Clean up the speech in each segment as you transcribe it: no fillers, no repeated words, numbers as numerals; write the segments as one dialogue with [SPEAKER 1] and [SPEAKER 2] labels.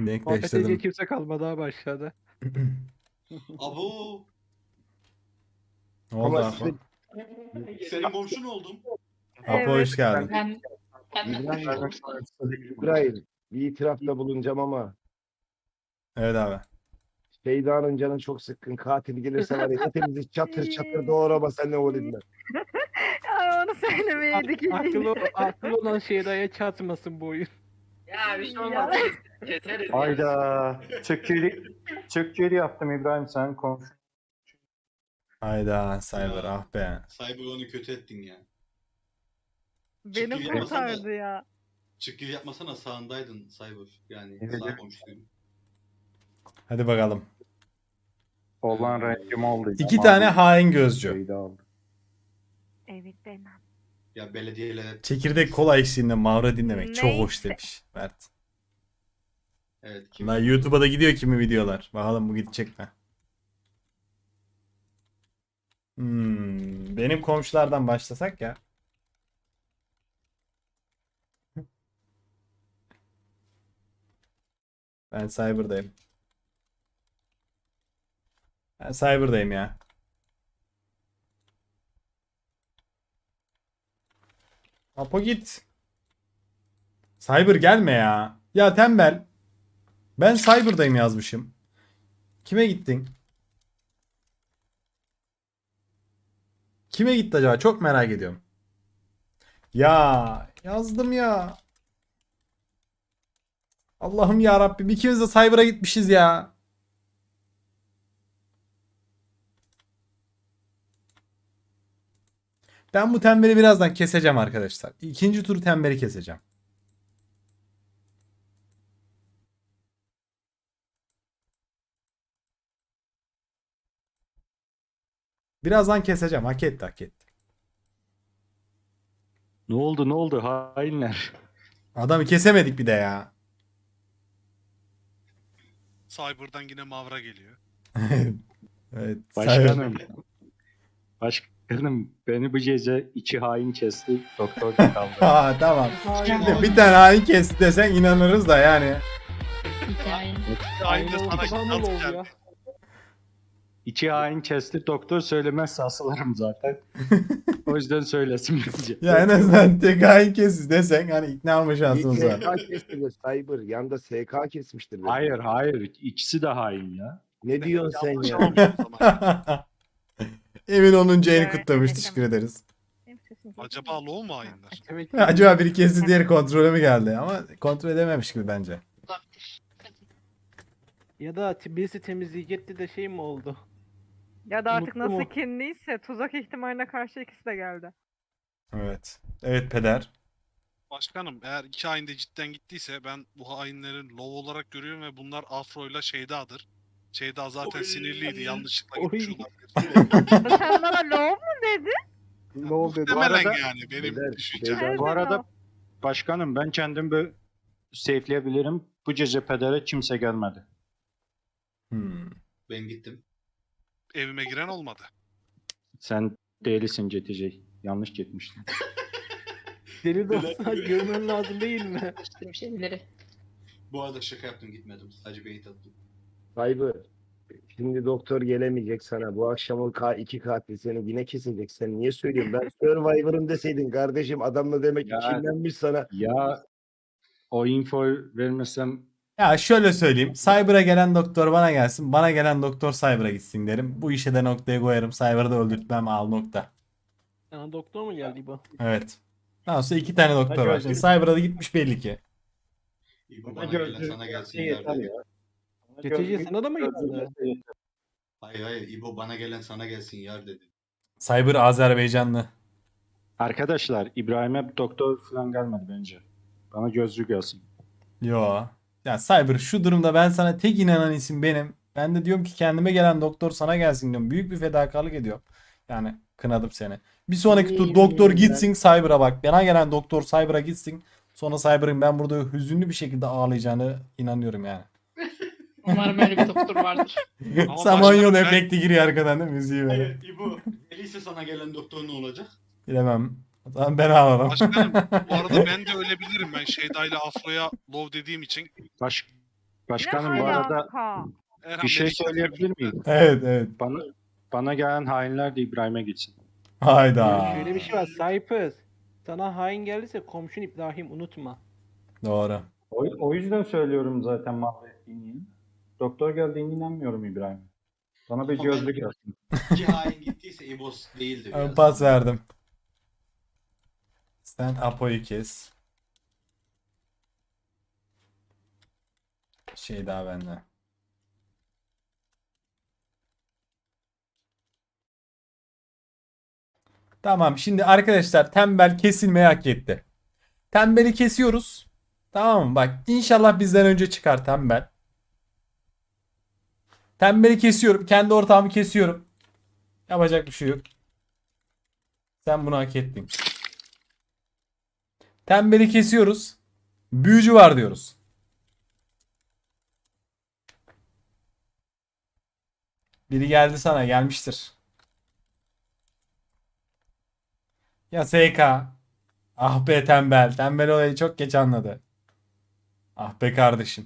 [SPEAKER 1] Muhabbet edecek kimse kalmadı abi aşağıda.
[SPEAKER 2] Abo.
[SPEAKER 1] Ne oldu
[SPEAKER 3] Ama
[SPEAKER 1] Apo?
[SPEAKER 2] Senin komşun oldum.
[SPEAKER 1] Apo hoş geldin.
[SPEAKER 3] İbrahim, bir itirafta bulunacağım ama
[SPEAKER 1] Evet abi.
[SPEAKER 3] Şeyda'nın canı çok sıkkın. Katil gelirse var ya hepimizi çatır çatır doğrama sen ne o dediler.
[SPEAKER 4] Ya onu söylemeyeydik
[SPEAKER 1] Aklı olan Şeyda'ya çatmasın bu oyun.
[SPEAKER 5] Ya bir şey olmaz. Keseriz ya.
[SPEAKER 6] Hayda. Türkçeli yaptım İbrahim sen konuş.
[SPEAKER 1] Hayda Cyber ah be.
[SPEAKER 2] Cyber onu kötü ettin ya.
[SPEAKER 4] Beni kurtardı ya.
[SPEAKER 2] Çıkgir yapmasana sağındaydın Cyber. Yani
[SPEAKER 6] Evet.
[SPEAKER 2] sağ komşuydun.
[SPEAKER 1] Hadi bakalım.
[SPEAKER 6] Olan rengim oldu.
[SPEAKER 1] İki tane hain gözcü.
[SPEAKER 6] Şeyde aldı.
[SPEAKER 4] Evet demem.
[SPEAKER 2] Ya belediyeyle...
[SPEAKER 1] Çekirdek kola eşliğinde Mavra dinlemek çok hoş
[SPEAKER 4] Neyse.
[SPEAKER 1] demiş Mert.
[SPEAKER 2] Evet. Kim?
[SPEAKER 1] Lan YouTube'a da gidiyor kimi videolar. Bakalım bu gidecek mi? Benim komşulardan başlasak ya. Ben Cyber'dayım. Ben Cyber'dayım ya. Apo git. Cyber gelme ya. Ya tembel. Ben Cyber'dayım yazmışım. Kime gittin? Kime gitti acaba? Çok merak ediyorum. Ya yazdım ya. Allah'ım ya Rabbim ikimiz de Cyber'a gitmişiz ya. Ben bu tembeli birazdan keseceğim arkadaşlar. İkinci turu tembeli keseceğim. Birazdan keseceğim. Hak etti hak etti.
[SPEAKER 6] Ne oldu hainler.
[SPEAKER 1] Adamı kesemedik bir de ya.
[SPEAKER 7] Cyber'dan yine Mavra geliyor.
[SPEAKER 1] Evet.
[SPEAKER 6] Başkanım beni bu gece iki hain kesti doktor da kaldı.
[SPEAKER 1] Ha tamam. Şimdi bir tane hain kesti desen inanırız da yani.
[SPEAKER 7] Aynı sana
[SPEAKER 1] Tamam
[SPEAKER 7] nasıl
[SPEAKER 1] oldu
[SPEAKER 7] geldi?
[SPEAKER 1] ya.
[SPEAKER 6] İki hain kesti doktor söylemezse asılırım zaten. O yüzden söylesin bence.
[SPEAKER 1] Ya en azından tek hain kesti desen hani ikna olma şansımız var.
[SPEAKER 3] SK kestiler Cyber. Yanda SK kesmiştir. beni.
[SPEAKER 6] Hayır ikisi de hain ya.
[SPEAKER 3] Ne diyorsun sen
[SPEAKER 7] Yanlış
[SPEAKER 3] ya?
[SPEAKER 7] anlamışım o zaman.
[SPEAKER 1] Emin 10. ayını
[SPEAKER 4] Evet,
[SPEAKER 1] kutlamış.
[SPEAKER 4] evet,
[SPEAKER 1] Teşekkür ederiz.
[SPEAKER 4] Benim sesim geliyor.
[SPEAKER 7] Acaba low mu hainler?
[SPEAKER 1] Ya acaba biri kesti diğeri kontrole mi geldi? Ama kontrol edememiş gibi bence.
[SPEAKER 8] Ya da birisi temizleyecekti de şey mi oldu?
[SPEAKER 4] Ya da artık
[SPEAKER 8] Unuttum
[SPEAKER 4] nasıl
[SPEAKER 8] o.
[SPEAKER 4] kinliyse tuzak ihtimaline karşı ikisi de geldi.
[SPEAKER 1] Evet. Evet peder.
[SPEAKER 7] Başkanım eğer iki hain de cidden gittiyse ben bu hainlerin low olarak görüyorum ve bunlar Afro'yla Şeyda'dır. Şeyda zaten
[SPEAKER 2] Oy.
[SPEAKER 7] sinirliydi yanlışlıkla
[SPEAKER 8] Oy.
[SPEAKER 7] gitmiş olabilir.
[SPEAKER 4] Sen bana low mu dedin?
[SPEAKER 8] Ne oldu?
[SPEAKER 7] Muhtemelen
[SPEAKER 6] arada-
[SPEAKER 7] yani benim
[SPEAKER 3] Beyler,
[SPEAKER 7] düşüncem.
[SPEAKER 3] beyler.
[SPEAKER 6] Bu arada başkanım ben kendim böyle safe'leyebilirim. Bu gece pedere kimse gelmedi.
[SPEAKER 2] Ben gittim.
[SPEAKER 7] Evime giren olmadı.
[SPEAKER 6] Sen değilsin GTC. Yanlış gitmiştin.
[SPEAKER 8] Deli de olsa görmen lazım değil mi?
[SPEAKER 5] Şeyleri.
[SPEAKER 2] Bu arada şaka yaptım gitmedim. Sadece beyit attım.
[SPEAKER 3] Cyber. Şimdi doktor gelemeyecek sana. Bu akşam o iki katil seni yine kesecek. Sen niye söylüyorsun? Ben Survivor'ım deseydin kardeşim adamla demek ki
[SPEAKER 6] Ya-
[SPEAKER 3] kinlenmiş sana.
[SPEAKER 6] Ya o infoyu vermesem
[SPEAKER 1] Ya şöyle söyleyeyim. Cyber'a gelen doktor bana gelsin. Bana gelen doktor Cyber'a gitsin derim. Bu işe de noktaya koyarım. Cyber'ı da öldürtmem al nokta.
[SPEAKER 8] Sana doktor mu geldi bu?
[SPEAKER 1] Evet. Daha sonra iki tane doktor var. Şimdi Cyber'a da gitmiş belli ki.
[SPEAKER 2] İbo bana gelen sana gelsin yar dedi.
[SPEAKER 8] Getirici sana da mı geldi?
[SPEAKER 2] Hayır İbo bana gelen sana gelsin yar dedi.
[SPEAKER 1] Cyber Azerbaycanlı.
[SPEAKER 6] Arkadaşlar İbrahim'e doktor falan gelmedi bence. Bana gözlük gelsin.
[SPEAKER 1] Yo. Ya Cyber şu durumda ben sana tek inanan isim benim. Ben de diyorum ki kendime gelen doktor sana gelsin diyorum. Büyük bir fedakarlık ediyorum. Yani kınadım seni. Bir sonraki tur doktor gitsin Cyber'a bak. Bana gelen doktor Cyber'a gitsin. Sonra Cyber'ın ben burada hüzünlü bir şekilde ağlayacağını inanıyorum yani.
[SPEAKER 5] Umarım öyle bir doktor vardır.
[SPEAKER 7] Ama
[SPEAKER 1] Samanyolu
[SPEAKER 7] başkanım ben-
[SPEAKER 1] efekti giriyor arkadan değil mi? Müziği böyle.
[SPEAKER 2] Evet İbo. Öyleyse sana gelen doktor ne olacak?
[SPEAKER 1] Bilemem. O zaman ben ağlarım.
[SPEAKER 7] Başkanım bu arada ben de ölebilirim. Ben Şeyda ile Afro'ya low dediğim için.
[SPEAKER 6] Başkanım
[SPEAKER 4] Ne
[SPEAKER 6] bu arada
[SPEAKER 4] alaka?
[SPEAKER 7] Erhan
[SPEAKER 6] bir şey
[SPEAKER 7] beni
[SPEAKER 6] söyleyebilir miyim?
[SPEAKER 1] Evet evet.
[SPEAKER 6] Bana gelen hainler de İbrahim'e gitsin.
[SPEAKER 1] Hayda.
[SPEAKER 8] Ya şöyle bir şey var. Cypress. Sana hain geldiyse komşun İbrahim unutma.
[SPEAKER 1] Doğru.
[SPEAKER 6] O yüzden söylüyorum zaten mahvettiğini. Doktor geldiğine inanmıyorum İbrahim. Bana bir
[SPEAKER 2] Ama
[SPEAKER 6] gözlük
[SPEAKER 2] ben-
[SPEAKER 6] yapsın.
[SPEAKER 2] İki hain gittiyse İbo değildir ya.
[SPEAKER 1] Ben pas verdim. Sen Apo'yu kes. Şey daha bende. Tamam şimdi arkadaşlar tembel kesilmeyi hak etti. Tembeli kesiyoruz. Tamam mı? Bak inşallah bizden önce çıkar tembel. Tembeli kesiyorum. Kendi ortağımı kesiyorum. Yapacak bir şey yok. Sen bunu hak ettin. Tembeli kesiyoruz. Büyücü var diyoruz. Biri geldi sana gelmiştir. Ya SK. Ah be tembel. Tembel olayı çok geç anladı. Ah be kardeşim.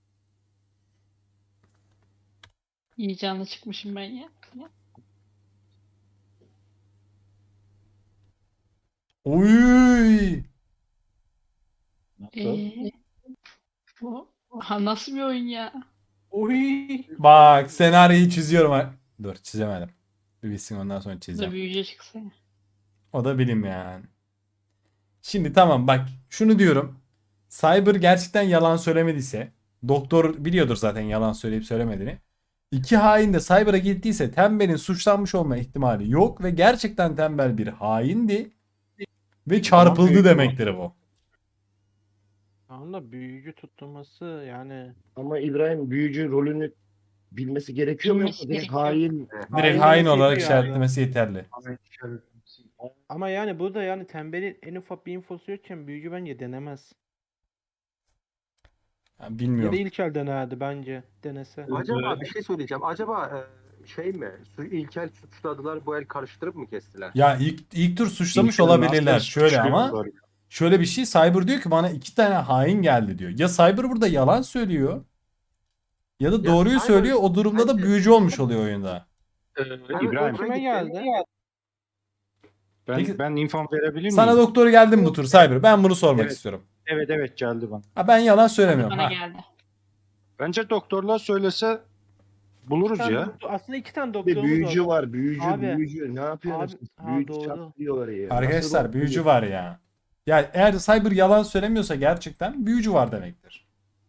[SPEAKER 5] İyi canlı çıkmışım ben ya.
[SPEAKER 1] Uy.
[SPEAKER 5] Bu nasıl bir oyun ya?
[SPEAKER 8] Oy.
[SPEAKER 1] Bak senaryoyu çiziyorum. Dur çizemedim. Bir bitsin ondan sonra
[SPEAKER 5] Bu da
[SPEAKER 1] çizeceğim.
[SPEAKER 5] büyüce çıksa.
[SPEAKER 1] O da bilim yani. Şimdi tamam bak şunu diyorum. Cyber gerçekten yalan söylemediyse doktor biliyordur zaten yalan söyleyip söylemediğini. İki hain de Cyber'a gittiyse Tembel'in suçlanmış olma ihtimali yok ve gerçekten Tembel bir haindi ve çarpıldı
[SPEAKER 6] büyük
[SPEAKER 1] demektir bu.
[SPEAKER 8] Tamam da büyücü tutturması yani.
[SPEAKER 3] Ama İbrahim büyücü rolünü bilmesi gerekiyor mu?
[SPEAKER 5] Bilmesi
[SPEAKER 3] Yoksa direkt
[SPEAKER 5] gerekiyor.
[SPEAKER 3] hain.
[SPEAKER 1] Direkt
[SPEAKER 8] Hain
[SPEAKER 1] hain
[SPEAKER 8] demesi
[SPEAKER 1] olarak
[SPEAKER 8] yetiyor abi.
[SPEAKER 1] işaretlemesi yeterli.
[SPEAKER 8] Ama yani burada yani tembelin en ufak bir infosu yokken büyücü bence denemez.
[SPEAKER 1] Ya
[SPEAKER 8] Ya da
[SPEAKER 1] bilmiyorum.
[SPEAKER 8] ilk el denerdi bence denese.
[SPEAKER 9] Acaba bir şey söyleyeceğim. Acaba şey mi? İlkel suçladılar bu el karıştırıp mı kestiler?
[SPEAKER 1] Ya ilk tur suçlamış
[SPEAKER 6] İlker
[SPEAKER 1] olabilirler.
[SPEAKER 6] nasıl
[SPEAKER 1] Şöyle ama
[SPEAKER 6] suçluyorlar?
[SPEAKER 1] şöyle bir şey Cyber diyor ki bana iki tane hain geldi diyor. Ya Cyber burada yalan söylüyor ya da doğruyu
[SPEAKER 9] Cyber
[SPEAKER 1] söylüyor. O durumda da
[SPEAKER 9] bence-
[SPEAKER 1] büyücü olmuş oluyor oyunda.
[SPEAKER 6] İbrahim.
[SPEAKER 8] Kime geldi?
[SPEAKER 1] Peki-
[SPEAKER 6] Ben info verebilir miyim?
[SPEAKER 1] Sana doktor geldi mi bu tur Cyber? Ben bunu sormak
[SPEAKER 6] Evet.
[SPEAKER 1] istiyorum.
[SPEAKER 6] Evet geldi bana.
[SPEAKER 1] Ha, ben yalan söylemiyorum.
[SPEAKER 5] Bana
[SPEAKER 1] Ha.
[SPEAKER 5] geldi.
[SPEAKER 6] Bence doktorlar söylese buluruz ya.
[SPEAKER 8] Aslında iki tane
[SPEAKER 3] Bir
[SPEAKER 8] doktorumuz
[SPEAKER 3] büyücü var. Büyücü,
[SPEAKER 8] Abi.
[SPEAKER 3] büyücü. Ne yapıyorsunuz?
[SPEAKER 8] Abi,
[SPEAKER 3] siz?
[SPEAKER 8] ha,
[SPEAKER 3] Büyücü
[SPEAKER 8] doğru.
[SPEAKER 3] çatlıyorlar ya.
[SPEAKER 1] Arkadaşlar
[SPEAKER 3] Nasıl
[SPEAKER 1] büyücü
[SPEAKER 3] oluyor?
[SPEAKER 1] var ya. Ya eğer Cyber yalan söylemiyorsa gerçekten büyücü var demektir.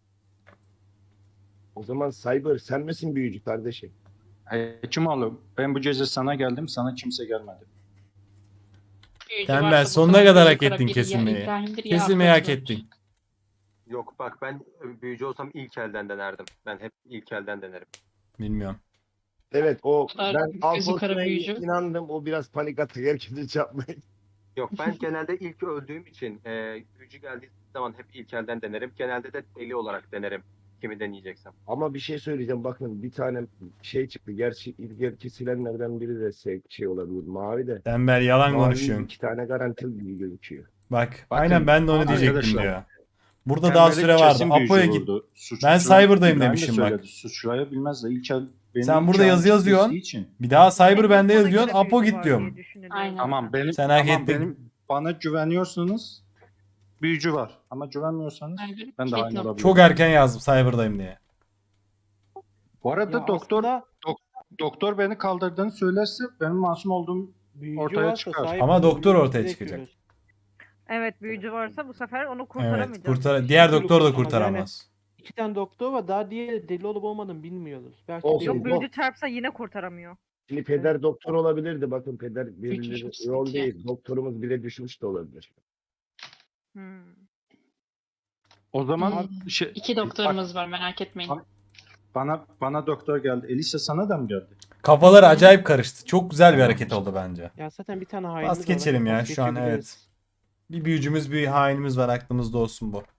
[SPEAKER 3] O zaman Cyber sen misin büyücü kardeşim?
[SPEAKER 6] Hekim ben bu gece sana geldim, sana kimse gelmedi.
[SPEAKER 5] Büyücü
[SPEAKER 1] Tembel,
[SPEAKER 5] varsa bu
[SPEAKER 1] sonuna
[SPEAKER 5] sefer
[SPEAKER 1] kadar
[SPEAKER 5] büyücü
[SPEAKER 1] hak ettin
[SPEAKER 5] kara biri ya
[SPEAKER 1] kesilmeyi.
[SPEAKER 5] İbrahim'dir ya
[SPEAKER 1] Kesilmeyi hak
[SPEAKER 5] Afrodit'tir.
[SPEAKER 1] ettin.
[SPEAKER 9] Yok bak ben büyücü olsam ilk elden denerdim. Ben hep ilk elden denerim.
[SPEAKER 1] Bilmiyorum.
[SPEAKER 3] Evet o
[SPEAKER 5] Bunlar
[SPEAKER 3] ben
[SPEAKER 5] gözü kara
[SPEAKER 3] Alfonso'ya
[SPEAKER 5] büyücü.
[SPEAKER 3] inandım. O biraz panik atak herkesi çarpmayın.
[SPEAKER 9] Yok ben genelde ilk öldüğüm için büyücü geldiği zaman hep ilk elden denerim. Genelde de deli olarak denerim kimi deneyeceksem.
[SPEAKER 3] Ama bir şey söyleyeceğim. Bakın bir tane şey çıktı. Gerçi ilk kesilenlerden biri de şey olabilir. Mavi de.
[SPEAKER 1] Tembel yalan
[SPEAKER 3] Mavi
[SPEAKER 1] konuşuyorsun.
[SPEAKER 3] 2 tane garantili gibi gözüküyor.
[SPEAKER 1] Bak
[SPEAKER 6] Bakın,
[SPEAKER 1] aynen ben de onu diyecektim
[SPEAKER 6] arkadaşlar,
[SPEAKER 1] diyor. Burada daha süre vardı. Apo'ya git. Ben Cyber'dayım demişim bak.
[SPEAKER 6] Suçlayabilmez de ilk el benim
[SPEAKER 1] Sen burada
[SPEAKER 6] ilk
[SPEAKER 1] yazı
[SPEAKER 6] el
[SPEAKER 1] yazıyorsun.
[SPEAKER 6] kestiği için.
[SPEAKER 1] Bir daha Cyber bende
[SPEAKER 4] Bana
[SPEAKER 1] yazıyorsun.
[SPEAKER 4] göre
[SPEAKER 1] Apo
[SPEAKER 4] büyücü
[SPEAKER 1] git
[SPEAKER 4] var
[SPEAKER 1] diyorum.
[SPEAKER 4] diye düşünülüyor.
[SPEAKER 5] Aynen.
[SPEAKER 6] Tamam benim,
[SPEAKER 1] Sen hak
[SPEAKER 6] tamam,
[SPEAKER 1] ettin.
[SPEAKER 6] bana güveniyorsunuz. Büyücü var. Ama güvenmiyorsanız
[SPEAKER 5] Cyber
[SPEAKER 6] ben de
[SPEAKER 5] kilit
[SPEAKER 6] aynı
[SPEAKER 5] nokta.
[SPEAKER 6] olabilirim.
[SPEAKER 1] Çok erken yazdım Cyber'dayım diye.
[SPEAKER 6] Bu arada
[SPEAKER 8] Ya
[SPEAKER 6] doktor
[SPEAKER 8] aslında
[SPEAKER 6] doktor beni kaldırdığını söylerse benim masum olduğum
[SPEAKER 8] büyücü
[SPEAKER 6] ortaya
[SPEAKER 8] varsa
[SPEAKER 6] çıkar.
[SPEAKER 8] Cyber
[SPEAKER 1] Ama doktor
[SPEAKER 8] büyücü
[SPEAKER 1] ortaya
[SPEAKER 8] direkt
[SPEAKER 1] çıkacak.
[SPEAKER 8] görür.
[SPEAKER 4] Evet büyücü varsa bu sefer onu
[SPEAKER 1] Evet.
[SPEAKER 4] kurtaramayacağız.
[SPEAKER 1] Diğer doktor da
[SPEAKER 8] Yani-
[SPEAKER 1] kurtaramaz.
[SPEAKER 8] İki tane doktor var. Daha diğeri deli olup olmadığını bilmiyoruz. Belki
[SPEAKER 3] Olsun.
[SPEAKER 8] deli
[SPEAKER 4] Yok
[SPEAKER 3] Yok.
[SPEAKER 4] büyücü çarpsa yine kurtaramıyor.
[SPEAKER 3] Şimdi peder doktor olabilirdi. Bakın peder
[SPEAKER 5] Büyücü
[SPEAKER 3] birileri
[SPEAKER 5] çok
[SPEAKER 3] rol
[SPEAKER 5] sıkıntı.
[SPEAKER 3] değil. Doktorumuz bile düşmüş de olabilir.
[SPEAKER 4] Hmm.
[SPEAKER 6] O zaman
[SPEAKER 5] Hmm.
[SPEAKER 6] şey,
[SPEAKER 5] İki doktorumuz var merak etmeyin.
[SPEAKER 6] Bak- bana doktor geldi. Elisa sana da mı geldi?
[SPEAKER 1] Kafalar acayip karıştı. Çok güzel bir
[SPEAKER 6] Tamam.
[SPEAKER 1] hareket oldu bence.
[SPEAKER 8] Ya zaten bir tane hainimiz var.
[SPEAKER 1] geçelim ya,
[SPEAKER 8] Pas
[SPEAKER 1] şu an
[SPEAKER 8] geçebiliriz.
[SPEAKER 1] Bir büyücümüz bir hainimiz var aklımızda olsun bu.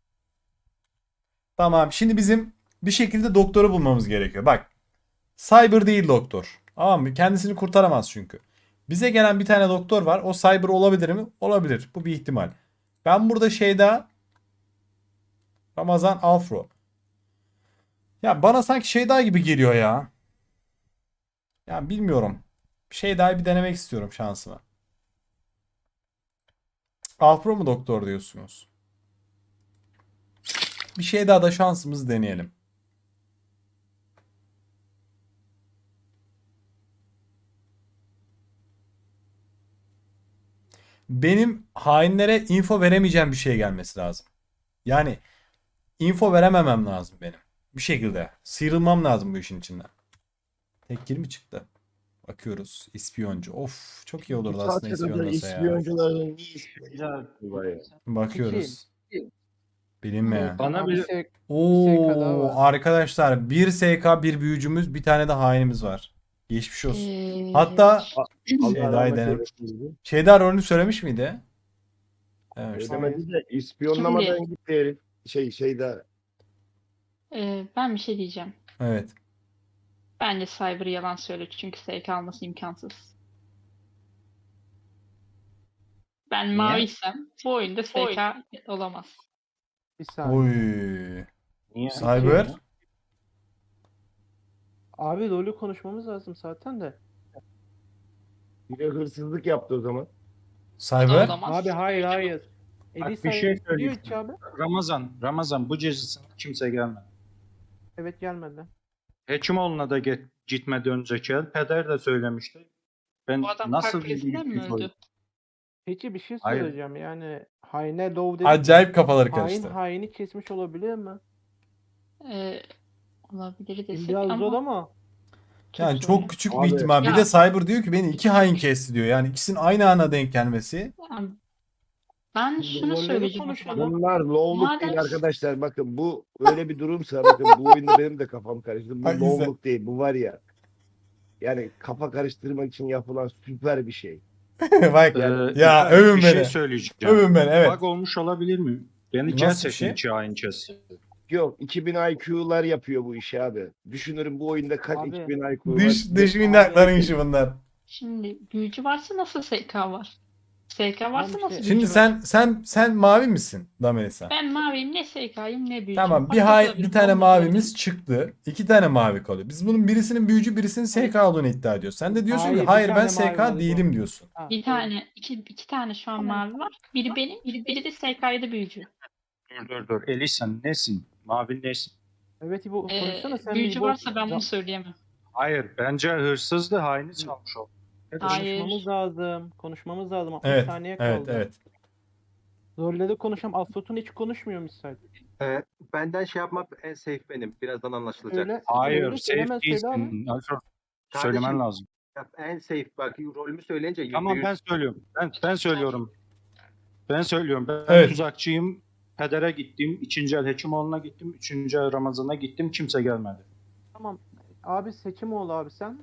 [SPEAKER 1] Tamam şimdi bizim bir şekilde doktoru bulmamız gerekiyor. Bak Cyber değil doktor. Tamam mı? Kendisini kurtaramaz çünkü. Bize gelen bir tane doktor var. O Cyber olabilir mi? Olabilir. Bu bir ihtimal. Ben burada Ramazan Afro. Ya bana sanki şey daha gibi geliyor ya. Ya bilmiyorum. Şey daha bir denemek istiyorum şansımı. Alpro mu doktor diyorsunuz? Bir şey daha da şansımızı deneyelim. Benim hainlere info veremeyeceğim bir şey gelmesi lazım. Yani info verememem lazım benim. Bir şekilde. Sıyrılmam lazım bu işin içinden. Tek mi çıktı? Bakıyoruz. İspiyoncu. Of çok iyi olurdu aslında ispiyonlasa ya.
[SPEAKER 3] İspiyoncuların niye ispiyoncu?
[SPEAKER 1] Bakıyoruz. Bilinmeyen.
[SPEAKER 6] Bana bir
[SPEAKER 1] Oo arkadaşlar 1 SK bir büyücümüz bir tane de hainimiz var. Geçmiş olsun. Hatta Şeyda'yı denem. Şeyda rolünü söylemiş miydi? Evet.
[SPEAKER 3] Ödemedi de ispiyonlamadan gitti herif. Şeyde
[SPEAKER 5] Ben bir şey diyeceğim.
[SPEAKER 1] Evet.
[SPEAKER 5] Bence Cyber yalan söylüyor çünkü SK alması imkansız. Ben maviysem bu oyunda SK olamaz.
[SPEAKER 8] Bir saniye.
[SPEAKER 1] Oy.
[SPEAKER 6] niye?
[SPEAKER 1] Cyber.
[SPEAKER 8] Abi rolü konuşmamız lazım zaten de.
[SPEAKER 3] bir de hırsızlık yaptı o zaman.
[SPEAKER 1] Cyber.
[SPEAKER 5] Olamaz.
[SPEAKER 8] Abi hayır.
[SPEAKER 6] Bak,
[SPEAKER 8] Elisa
[SPEAKER 6] bir şey
[SPEAKER 8] diyor
[SPEAKER 6] söyleyeyim.
[SPEAKER 8] ki abi.
[SPEAKER 6] Ramazan bu cezasına kimse gelmedi.
[SPEAKER 8] Evet gelmedi.
[SPEAKER 6] Hekimoğlu'na da gitmeden önceki el peder de söylemişti. Ben
[SPEAKER 5] Bu adam
[SPEAKER 6] nasıl
[SPEAKER 5] kalp krizinden mi
[SPEAKER 6] bir
[SPEAKER 5] öldü?
[SPEAKER 8] Peki bir şey
[SPEAKER 6] Hayır.
[SPEAKER 8] söyleyeceğim yani haine love dedik.
[SPEAKER 1] Acayip kafaları
[SPEAKER 8] Hain
[SPEAKER 1] karıştı.
[SPEAKER 8] haini kesmiş olabilir mi?
[SPEAKER 5] Olabilir desek
[SPEAKER 8] Biraz zor
[SPEAKER 5] ama
[SPEAKER 8] ama.
[SPEAKER 1] Yani çok küçük bir
[SPEAKER 3] Abi-
[SPEAKER 1] ihtimal. Bir
[SPEAKER 5] Ya.
[SPEAKER 1] de Cyber diyor ki beni 2 hain kesti diyor. Yani ikisinin aynı ana denk gelmesi.
[SPEAKER 5] yani ben şunu
[SPEAKER 8] rolleri
[SPEAKER 5] söyleyeceğim o
[SPEAKER 8] konuşalım.
[SPEAKER 5] zaman.
[SPEAKER 3] Bunlar low'luk
[SPEAKER 5] Madem-
[SPEAKER 3] değil arkadaşlar. Bakın bu öyle bir durumsa bakın bu oyunda benim de kafam karıştı. Bu
[SPEAKER 1] Hangisi?
[SPEAKER 3] low'luk değil. Bu var ya. Yani kafa karıştırmak için yapılan süper bir şey.
[SPEAKER 1] Bak
[SPEAKER 6] Yani,
[SPEAKER 1] ya övün
[SPEAKER 6] bir
[SPEAKER 1] beni.
[SPEAKER 6] şey söyleyeceğim.
[SPEAKER 1] Övün beni evet.
[SPEAKER 6] Bug olmuş olabilir mi? Beni
[SPEAKER 1] Nasıl bir
[SPEAKER 6] gerçekten
[SPEAKER 1] şey?
[SPEAKER 6] iki hain kesti.
[SPEAKER 3] Yok 2000 IQ'lar yapıyor bu işi abi. Düşünürüm bu oyunda kaç
[SPEAKER 8] Abi,
[SPEAKER 3] 2000 IQ var.
[SPEAKER 1] Dış minnakların işi bunlar.
[SPEAKER 5] Şimdi büyücü varsa nasıl SK var? SK varsa
[SPEAKER 8] Tamam
[SPEAKER 5] nasıl
[SPEAKER 8] işte.
[SPEAKER 1] Şimdi
[SPEAKER 5] büyücü var?
[SPEAKER 1] sen mavi misin Damelisa?
[SPEAKER 5] Ben maviyim ne SK'yim ne büyücü.
[SPEAKER 1] Tamam bir hain bir tane mavimiz çıktı. 2 tane mavi kalıyor. Biz bunun birisinin büyücü birisinin SK olduğunu iddia ediyoruz. Sen de diyorsun ki
[SPEAKER 8] Hayır, bir
[SPEAKER 1] hayır
[SPEAKER 8] tane
[SPEAKER 1] ben
[SPEAKER 8] mavi var
[SPEAKER 1] SK
[SPEAKER 8] bu.
[SPEAKER 1] değilim diyorsun.
[SPEAKER 8] Ha,
[SPEAKER 5] Bir tane, iki tane şu an mavi var. Biri benim, biri de SK'ydı büyücü.
[SPEAKER 6] Dur. Elisa nesin? Mavi nesin?
[SPEAKER 8] Evet İbo konuşsana sen
[SPEAKER 5] Büyücü
[SPEAKER 8] İbo.
[SPEAKER 5] varsa ben bunu söyleyemem.
[SPEAKER 6] Hayır bence hırsızdı haini çalmış oldu.
[SPEAKER 5] Hayır.
[SPEAKER 8] Konuşmamız lazım. Konuşmamız lazım. 60
[SPEAKER 1] Evet.
[SPEAKER 8] saniye
[SPEAKER 1] Evet,
[SPEAKER 8] kaldı.
[SPEAKER 1] evet.
[SPEAKER 8] Rolleri konuşalım. Afrotun hiç konuşmuyor misal.
[SPEAKER 9] Benden şey yapmak en safe benim. Birazdan anlaşılacak.
[SPEAKER 8] Öyle.
[SPEAKER 6] Hayır
[SPEAKER 8] Öyle söyleme,
[SPEAKER 6] safe
[SPEAKER 8] söyle abi.
[SPEAKER 6] değilsin. Alfred
[SPEAKER 9] Kardeşim,
[SPEAKER 6] söylemen lazım.
[SPEAKER 9] En safe bak rolümü söyleyince
[SPEAKER 6] Tamam ben söylüyorum. Ben söylüyorum. Ben
[SPEAKER 1] Evet.
[SPEAKER 6] tuzakçıyım. Pedere gittim. 2. el Hekimoğlu'na gittim. 3. el Ramazan'a gittim. Kimse gelmedi.
[SPEAKER 8] Tamam. Abi seçim ol abi sen.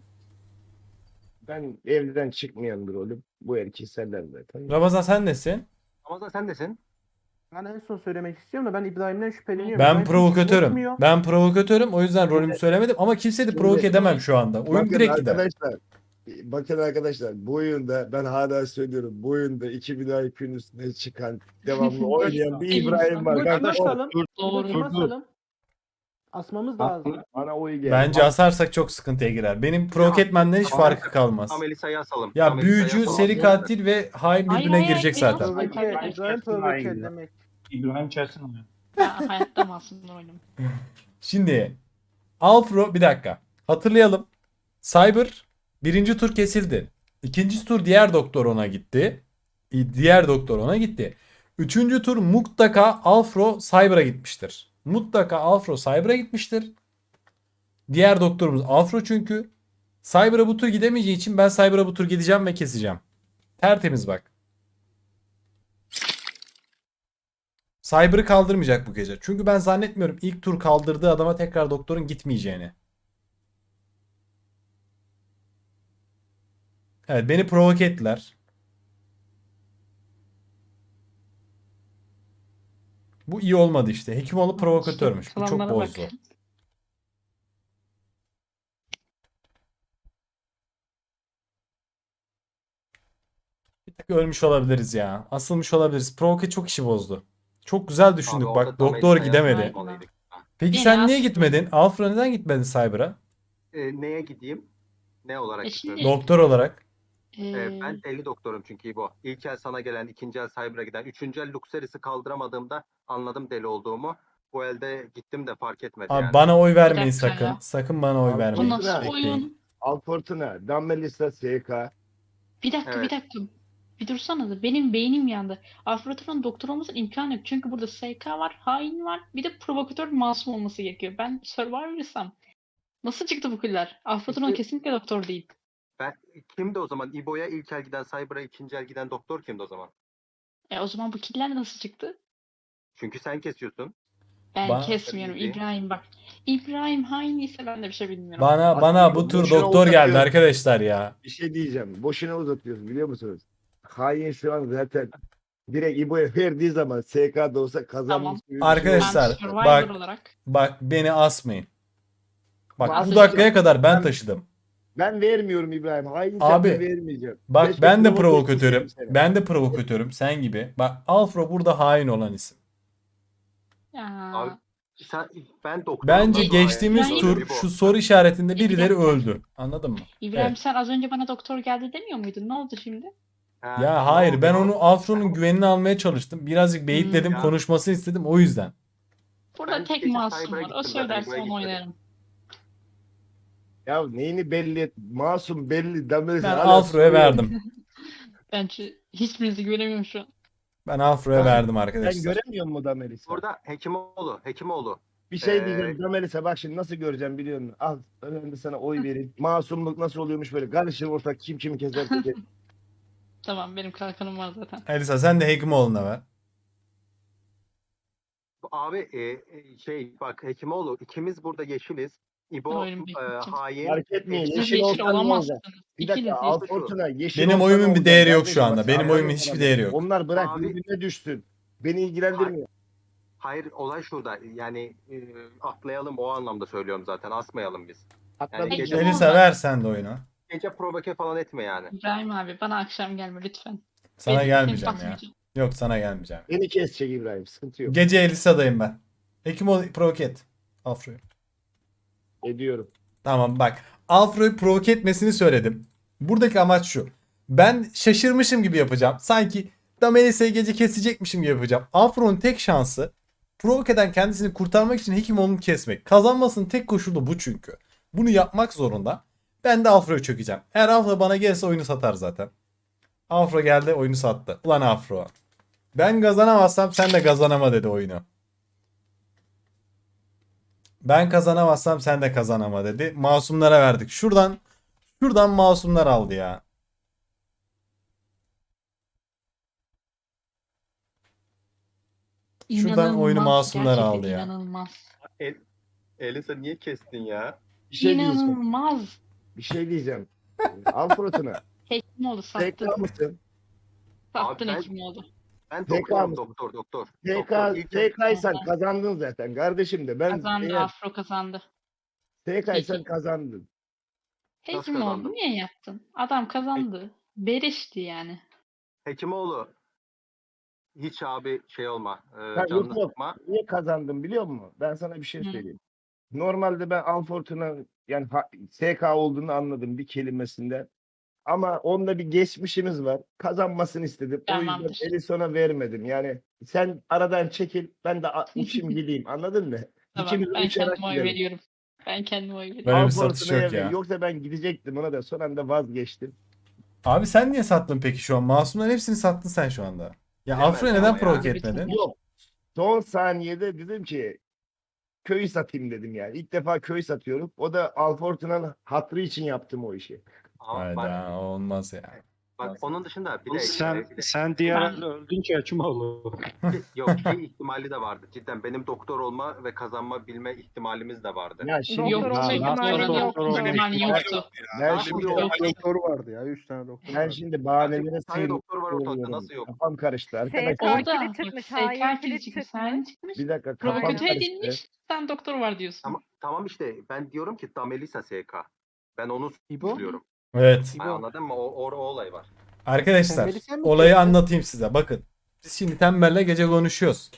[SPEAKER 3] Ben evden çıkmayan bir rolüm. Bu erkeği senden zaten.
[SPEAKER 1] Ramazan sen nesin?
[SPEAKER 9] Ramazan sen desin.
[SPEAKER 8] Ben en son söylemek istiyorum da ben İbrahim'den şüpheleniyorum.
[SPEAKER 1] Ben
[SPEAKER 8] İbrahim
[SPEAKER 1] provokatörüm.
[SPEAKER 8] konuşmuyor.
[SPEAKER 1] Ben provokatörüm. O yüzden rolümü söylemedim ama kimseyi de
[SPEAKER 3] Şimdi-
[SPEAKER 1] provoke edemem şu anda. Oyun
[SPEAKER 3] Bakın
[SPEAKER 1] direkt gider.
[SPEAKER 3] arkadaşlar. Bakın arkadaşlar bu oyunda ben hala söylüyorum bu oyunda 2000 IQ'nun üstüne çıkan devamlı oynayan bir İbrahim var.
[SPEAKER 8] İbo
[SPEAKER 3] Ben
[SPEAKER 8] kime asalım?
[SPEAKER 6] Dur,
[SPEAKER 8] İbo kime
[SPEAKER 6] dur.
[SPEAKER 8] asalım? Asmamız lazım.
[SPEAKER 3] bana oy geldi.
[SPEAKER 1] Bence asarsak çok sıkıntıya girer. Benim provoke etmenden hiç
[SPEAKER 9] Tamam.
[SPEAKER 1] farkı kalmaz.
[SPEAKER 9] Tam Elisa'yı asalım.
[SPEAKER 1] Ya
[SPEAKER 9] Tam Elisa'yı
[SPEAKER 1] büyücü,
[SPEAKER 9] asalım.
[SPEAKER 1] seri katil ve hain
[SPEAKER 5] Hayır,
[SPEAKER 1] birbirine
[SPEAKER 5] hayır,
[SPEAKER 1] girecek
[SPEAKER 5] hayır,
[SPEAKER 1] zaten.
[SPEAKER 5] hayır.
[SPEAKER 8] Provoke, İbrahim provoke demek.
[SPEAKER 6] İbrahim Çelsin onu.
[SPEAKER 5] Ben hayatta masumla oynamam.
[SPEAKER 1] Şimdi Alfro bir dakika. Hatırlayalım. Cyber birinci tur kesildi. İkinci tur diğer doktor ona gitti. Diğer doktor ona gitti. Üçüncü tur mutlaka Alfro Cyber'a gitmiştir. Mutlaka Alfro Cyber'a gitmiştir. Diğer doktorumuz Alfro çünkü. Cyber'a bu tur gidemeyeceği için ben Cyber'a bu tur gideceğim ve keseceğim. Tertemiz bak. Cyber'ı kaldırmayacak bu gece. Çünkü ben zannetmiyorum ilk tur kaldırdığı adama tekrar doktorun gitmeyeceğini. Evet beni provoke ettiler. Bu iyi olmadı işte. Hekimoğlu provokatörmüş. Bu çok
[SPEAKER 5] Planlara bak.
[SPEAKER 1] bozdu. Bir tık ölmüş olabiliriz ya. Asılmış olabiliriz. Provoke çok işi bozdu. Çok güzel düşündük
[SPEAKER 9] Abi
[SPEAKER 1] bak.
[SPEAKER 9] orada tam
[SPEAKER 1] Doktor
[SPEAKER 9] Elisa'yı
[SPEAKER 1] gidemedi.
[SPEAKER 9] asmalıydık.
[SPEAKER 1] Peki
[SPEAKER 5] Beni
[SPEAKER 1] sen niye
[SPEAKER 5] astı.
[SPEAKER 1] gitmedin? Alfred neden gitmedin Cyber'a?
[SPEAKER 9] Neye gideyim? Ne olarak
[SPEAKER 5] Şimdi-
[SPEAKER 9] gitmem?
[SPEAKER 1] Doktor olarak.
[SPEAKER 9] Ben deli doktorum çünkü İbo. İlk el sana gelen, ikinci el Cyber'a giden, üçüncü el Luxeris'i kaldıramadığımda anladım deli olduğumu. Bu elde gittim de fark etmedi
[SPEAKER 1] Abi
[SPEAKER 9] yani.
[SPEAKER 1] bana oy vermeyin
[SPEAKER 5] dakika
[SPEAKER 1] sakın.
[SPEAKER 5] ya.
[SPEAKER 1] Sakın bana oy
[SPEAKER 3] Abi,
[SPEAKER 1] vermeyin.
[SPEAKER 5] Bu nasıl
[SPEAKER 1] Bekleyin.
[SPEAKER 5] oyun?
[SPEAKER 3] Alfortuna, Damelisa, SK.
[SPEAKER 5] Bir dakika
[SPEAKER 9] Evet.
[SPEAKER 5] bir dakika. Bir dursanıza. Benim beynim yandı. Afrodit'in doktor olmasının imkanı yok. Çünkü burada SK var, hain var. Bir de provokatör masum olması gerekiyor. Ben Survivor'ıysam nasıl çıktı bu killer? Afrodit'in
[SPEAKER 9] İşte-
[SPEAKER 5] kesinlikle doktor değil.
[SPEAKER 9] Kimdi o zaman? İbo'ya ilk el giden, Cyber'a ikinci el giden doktor kimdi o zaman?
[SPEAKER 5] O zaman bu killer nasıl çıktı?
[SPEAKER 9] Çünkü sen kesiyorsun.
[SPEAKER 5] Ben
[SPEAKER 1] Ba-
[SPEAKER 5] kesmiyorum
[SPEAKER 9] Tabii ki.
[SPEAKER 5] İbrahim bak. İbrahim hain ise ben de bir şey bilmiyorum.
[SPEAKER 1] Bana bu tur
[SPEAKER 3] Boşuna
[SPEAKER 1] doktor geldi
[SPEAKER 3] uzatıyor.
[SPEAKER 1] arkadaşlar ya.
[SPEAKER 3] Bir şey diyeceğim. Boşuna uzatıyorsun biliyor musunuz? Hain şu an zaten direkt İbo'ya verdiği zaman SK'da olsa kazanmış. gibi bir şey
[SPEAKER 1] Arkadaşlar,
[SPEAKER 3] oldu.
[SPEAKER 5] Ben Survivor
[SPEAKER 1] bak-
[SPEAKER 5] olarak.
[SPEAKER 1] Bak beni asmayın. Bak
[SPEAKER 3] Ama
[SPEAKER 1] bu dakikaya kadar ben
[SPEAKER 3] ben-
[SPEAKER 1] taşıdım.
[SPEAKER 3] Ben vermiyorum İbrahim. Hain
[SPEAKER 1] Abi,
[SPEAKER 3] sen de vermeyeceğim.
[SPEAKER 1] Bak
[SPEAKER 3] Keşke
[SPEAKER 1] ben de
[SPEAKER 3] provoke
[SPEAKER 1] provokatörüm.
[SPEAKER 3] etseydim seni.
[SPEAKER 1] Ben de provokatörüm sen gibi. Bak Alfro burada hain olan isim.
[SPEAKER 5] Ya.
[SPEAKER 9] Abi, ben doktorum.
[SPEAKER 1] Bence
[SPEAKER 9] Nasıl
[SPEAKER 1] geçtiğimiz
[SPEAKER 9] hain?
[SPEAKER 1] tur
[SPEAKER 9] İbo.
[SPEAKER 1] şu soru işaretinde
[SPEAKER 5] Bir
[SPEAKER 1] birileri
[SPEAKER 5] dakika.
[SPEAKER 1] öldü. Anladın mı?
[SPEAKER 5] İbrahim
[SPEAKER 1] Evet.
[SPEAKER 5] sen az önce bana doktor geldi demiyor muydun? Ne oldu şimdi?
[SPEAKER 9] Ha,
[SPEAKER 1] Ya
[SPEAKER 9] ne
[SPEAKER 1] hayır
[SPEAKER 9] oldu?
[SPEAKER 1] ben onu Alfro'nun güvenini almaya çalıştım. Birazcık beyitledim,
[SPEAKER 9] Ya.
[SPEAKER 1] konuşmasını istedim o yüzden.
[SPEAKER 5] Burada
[SPEAKER 9] Ben
[SPEAKER 5] tek
[SPEAKER 9] gece
[SPEAKER 5] masum
[SPEAKER 9] Cyber'a
[SPEAKER 5] var. O
[SPEAKER 9] gittim zaten,
[SPEAKER 5] söylerse
[SPEAKER 9] buraya
[SPEAKER 5] onu
[SPEAKER 9] gitmedim.
[SPEAKER 5] oynarım.
[SPEAKER 3] Ya neyini belli et? Masum belli. Damelisa
[SPEAKER 1] Ben
[SPEAKER 3] hala
[SPEAKER 1] Alfro'ya
[SPEAKER 3] soruyor.
[SPEAKER 1] verdim.
[SPEAKER 5] Bence hiçbirinizi göremiyorum şu an.
[SPEAKER 1] Ben Alfro'ya
[SPEAKER 3] Ben-
[SPEAKER 1] verdim
[SPEAKER 3] Sen
[SPEAKER 1] arkadaşlar.
[SPEAKER 3] göremiyor musun Damelisa?
[SPEAKER 9] Burada Hekimoğlu.
[SPEAKER 3] Bir şey
[SPEAKER 9] Ee,
[SPEAKER 3] diyeceğim Damelisa bak şimdi nasıl göreceğim biliyor musun? Al ben de sana oy vereyim. Masumluk nasıl oluyormuş böyle. Karışır ortak kim kimi keserse kes.
[SPEAKER 5] Tamam benim kalkanım var zaten.
[SPEAKER 1] Elisa sen de Hekimoğlu'na ver.
[SPEAKER 9] Abi bak Hekimoğlu ikimiz burada yeşiliz. İbo
[SPEAKER 5] Oyunu bekleteceğim.
[SPEAKER 9] hain.
[SPEAKER 3] Fark etmeyin.
[SPEAKER 9] Siz
[SPEAKER 5] Siz
[SPEAKER 3] Yeşil
[SPEAKER 5] yeşil
[SPEAKER 3] olsan ne olacak?
[SPEAKER 5] olamazsınız.
[SPEAKER 3] Bir
[SPEAKER 5] İkiniz
[SPEAKER 3] dakika
[SPEAKER 5] yeşil.
[SPEAKER 3] Alfortuna yeşil
[SPEAKER 1] Benim
[SPEAKER 3] olsa
[SPEAKER 1] oyumun
[SPEAKER 3] ne
[SPEAKER 1] bir
[SPEAKER 3] olacak
[SPEAKER 1] değeri yok
[SPEAKER 3] kardeşim?
[SPEAKER 1] şu anda.
[SPEAKER 3] Bak,
[SPEAKER 1] Benim
[SPEAKER 3] anladın
[SPEAKER 1] oyumun
[SPEAKER 3] mı
[SPEAKER 1] hiçbir
[SPEAKER 3] bana?
[SPEAKER 1] değeri yok.
[SPEAKER 3] Onlar bırak
[SPEAKER 9] Abi-
[SPEAKER 3] birbirine düşsün. Beni ilgilendirmiyor.
[SPEAKER 9] Hayır olay şurada. Yani atlayalım o anlamda söylüyorum zaten. Asmayalım biz.
[SPEAKER 3] Atladım.
[SPEAKER 5] Peki,
[SPEAKER 9] gece-
[SPEAKER 5] ne
[SPEAKER 1] Elisa
[SPEAKER 5] oldu?
[SPEAKER 1] ver sen de oyunu.
[SPEAKER 9] Gece provoke falan etme yani.
[SPEAKER 5] İbrahim abi bana akşam gelme lütfen.
[SPEAKER 1] Sana
[SPEAKER 5] Benim
[SPEAKER 1] gelmeyeceğim
[SPEAKER 5] kim
[SPEAKER 1] ya.
[SPEAKER 5] basmayacağım.
[SPEAKER 1] Yok sana gelmeyeceğim.
[SPEAKER 3] Beni kesecek İbrahim. Sıkıntı yok.
[SPEAKER 1] Gece Elisa'dayım ben. Hekimoğlu provoke et. Alfro'yu.
[SPEAKER 3] Ediyorum.
[SPEAKER 1] Tamam bak. Alfro'yu provoke etmesini söyledim. Buradaki amaç şu. Ben şaşırmışım gibi yapacağım. Sanki Damelisa'yı gece kesecekmişim gibi yapacağım. Alfro'nun tek şansı provoke kendisini kurtarmak için Hekimoğlu'nu kesmek. Kazanmasının tek koşulu bu çünkü. Bunu yapmak zorunda. Ben de Alfro'yu çökeceğim. Eğer Alfro bana gelirse oyunu satar zaten. Afro geldi oyunu sattı. Ulan Afro. Ben kazanamazsam sen de kazanama dedi oyunu. Ben kazanamazsam sen de kazanama dedi. Masumlara verdik. Şuradan masumlar aldı ya. Şuradan oyunu
[SPEAKER 5] İnanılmaz,
[SPEAKER 1] masumlar
[SPEAKER 5] gerçekten
[SPEAKER 1] aldı ya.
[SPEAKER 5] İnanılmaz.
[SPEAKER 9] Elisa niye kestin ya?
[SPEAKER 3] Bir şey diyeceğim.
[SPEAKER 5] İnanılmaz.
[SPEAKER 3] Bir şey diyeceğim. Alfortuna.
[SPEAKER 5] Hekimoğlu sattın.
[SPEAKER 3] TK mısın?
[SPEAKER 5] Sattın
[SPEAKER 9] Abi ben-
[SPEAKER 5] Hekimoğlu.
[SPEAKER 9] Ben
[SPEAKER 3] TK
[SPEAKER 9] doktorum
[SPEAKER 3] mısın?
[SPEAKER 9] doktor. Doktor,
[SPEAKER 3] TK'ysan
[SPEAKER 5] Aha.
[SPEAKER 3] kazandın zaten kardeşim de. Ben
[SPEAKER 5] Kazandı.
[SPEAKER 3] eğer
[SPEAKER 5] Afro kazandı.
[SPEAKER 3] TK'ysan
[SPEAKER 5] Peki.
[SPEAKER 3] kazandın.
[SPEAKER 9] Nasıl
[SPEAKER 5] Hekimoğlu
[SPEAKER 9] kazandı?
[SPEAKER 5] niye yaptın? Adam kazandı. Berişti yani.
[SPEAKER 9] Hekimoğlu hiç abi şey olma.
[SPEAKER 3] yok,
[SPEAKER 9] Canını
[SPEAKER 3] yok.
[SPEAKER 9] sıkma.
[SPEAKER 3] Niye kazandım biliyor musun? Ben sana bir şey
[SPEAKER 5] Hı.
[SPEAKER 3] söyleyeyim. Normalde ben Alfortuna yani SK olduğunu anladım bir kelimesinden. Ama onda bir geçmişimiz var. Kazanmasını istedim. O
[SPEAKER 5] Tamamdır.
[SPEAKER 3] yüzden Elison'a vermedim. Yani sen aradan çekil ben de uçayım gideyim anladın mı?
[SPEAKER 5] Tamam,
[SPEAKER 3] İkimiz
[SPEAKER 5] ben
[SPEAKER 3] uçarak
[SPEAKER 5] kendime oy
[SPEAKER 3] gidelim.
[SPEAKER 5] veriyorum. Ben kendime oy veriyorum.
[SPEAKER 1] Böyle bir satış
[SPEAKER 3] Alfortuna'ya
[SPEAKER 1] yok
[SPEAKER 3] ver.
[SPEAKER 1] ya.
[SPEAKER 3] Yoksa ben gidecektim ona da son anda vazgeçtim.
[SPEAKER 1] Abi sen niye sattın peki şu an? Masumların hepsini sattın sen şu anda. Ya
[SPEAKER 9] Bilemez
[SPEAKER 1] Afro'ya
[SPEAKER 9] ama
[SPEAKER 1] neden
[SPEAKER 9] ya.
[SPEAKER 1] provoke
[SPEAKER 5] Abi,
[SPEAKER 1] etmedin?
[SPEAKER 3] Yok. Son saniyede dedim ki köyü satayım dedim yani. İlk defa köy satıyorum. O da Alfortuna'nın hatrı için yaptım o işi.
[SPEAKER 9] Ama bak,
[SPEAKER 1] Hayda olmaz ya.
[SPEAKER 9] onun dışında bir de
[SPEAKER 6] Sen diğer
[SPEAKER 5] Ben-
[SPEAKER 6] elde öldünce Hekimoğlu.
[SPEAKER 9] yok şey ihtimali de vardı. Cidden benim doktor olma ve kazanma bilme ihtimalimiz de vardı.
[SPEAKER 3] Ya şimdi
[SPEAKER 4] Doktor
[SPEAKER 5] Yoktu.
[SPEAKER 4] olma
[SPEAKER 3] ben,
[SPEAKER 4] ihtimali
[SPEAKER 5] Doktor
[SPEAKER 4] yoktu.
[SPEAKER 5] olma ihtimali yoktu.
[SPEAKER 3] ben
[SPEAKER 9] Nasıl
[SPEAKER 3] şimdi,
[SPEAKER 9] yok?
[SPEAKER 8] doktor vardı ya. 3 tane doktor
[SPEAKER 3] ben
[SPEAKER 8] vardı.
[SPEAKER 3] şimdi bahanelere
[SPEAKER 9] Bir tane doktor var ortada,
[SPEAKER 3] sığınıyorum.
[SPEAKER 9] nasıl yok?
[SPEAKER 3] Kafam karıştı arkadaşlar.
[SPEAKER 4] SK
[SPEAKER 5] Orada
[SPEAKER 4] kilit çıkmış,
[SPEAKER 5] bak,
[SPEAKER 4] hain
[SPEAKER 5] SK
[SPEAKER 4] kilit
[SPEAKER 5] çıkmış,
[SPEAKER 4] çıkmış.
[SPEAKER 5] hain çıkmış.
[SPEAKER 3] Bir dakika kafam
[SPEAKER 5] Provokatör
[SPEAKER 3] karıştı.
[SPEAKER 5] edilmiş. Sen doktor var diyorsun.
[SPEAKER 9] Tamam işte ben diyorum ki Damelisa SK. Ben onu
[SPEAKER 8] İbo?
[SPEAKER 9] suçluyorum.
[SPEAKER 1] Evet.
[SPEAKER 9] Ha, anladın mı? O olay var.
[SPEAKER 1] Arkadaşlar
[SPEAKER 8] Tembeli sen mi
[SPEAKER 1] olayı
[SPEAKER 8] kestin?
[SPEAKER 1] anlatayım size. Bakın. Biz şimdi Tembel'le gece konuşuyoruz.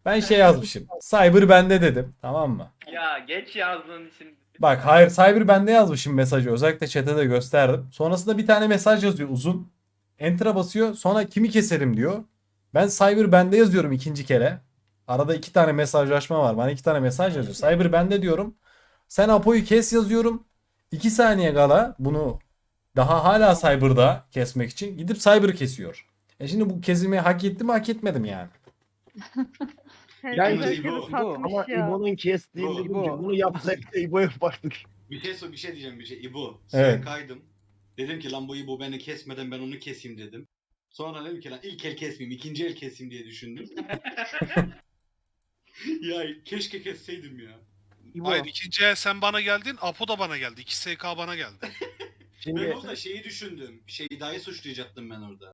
[SPEAKER 1] Ben şey yazmışım. Cyber bende dedim. Tamam mı?
[SPEAKER 10] Ya geç yazdığın için.
[SPEAKER 1] Bak hayır, Cyber bende yazmışım mesajı. Özellikle chat'e de gösterdim. Sonrasında bir tane mesaj yazıyor uzun. Enter'a basıyor. Sonra kimi keserim diyor. Ben Cyber bende yazıyorum ikinci kere. Arada 2 tane mesajlaşma var. Bana 2 tane mesaj yazıyor. Cyber bende diyorum. Sen Apo'yu kes yazıyorum. 2 saniye kala bunu daha hala Cyber'da kesmek için gidip Cyber'ı kesiyor. Şimdi bu kesimi hak etti mi hak etmedim yani.
[SPEAKER 3] Yani
[SPEAKER 4] Herkes
[SPEAKER 2] İbo,
[SPEAKER 4] herkesi satmış
[SPEAKER 3] Ama
[SPEAKER 4] ya.
[SPEAKER 3] İbo'nun kestiğinde
[SPEAKER 8] İbo.
[SPEAKER 3] bunu yapsak da İbo yapardık.
[SPEAKER 2] Bir şey diyeceğim bir şey. İbo.
[SPEAKER 1] Evet.
[SPEAKER 2] Kaydım. Dedim ki lan bu İbo beni kesmeden ben onu keseyim dedim. Sonra dedim ki lan ilk el kesmeyeyim, ikinci el keseyim diye düşündüm. Ya keşke kesseydim ya.
[SPEAKER 8] İbo.
[SPEAKER 7] Hayır, ikinci el sen bana geldin, Apo da bana geldi. 2 SK bana geldi.
[SPEAKER 2] Ben
[SPEAKER 3] Şimdi
[SPEAKER 2] orada şeyi düşündüm. Şeyda'yı suçlayacaktım ben orada.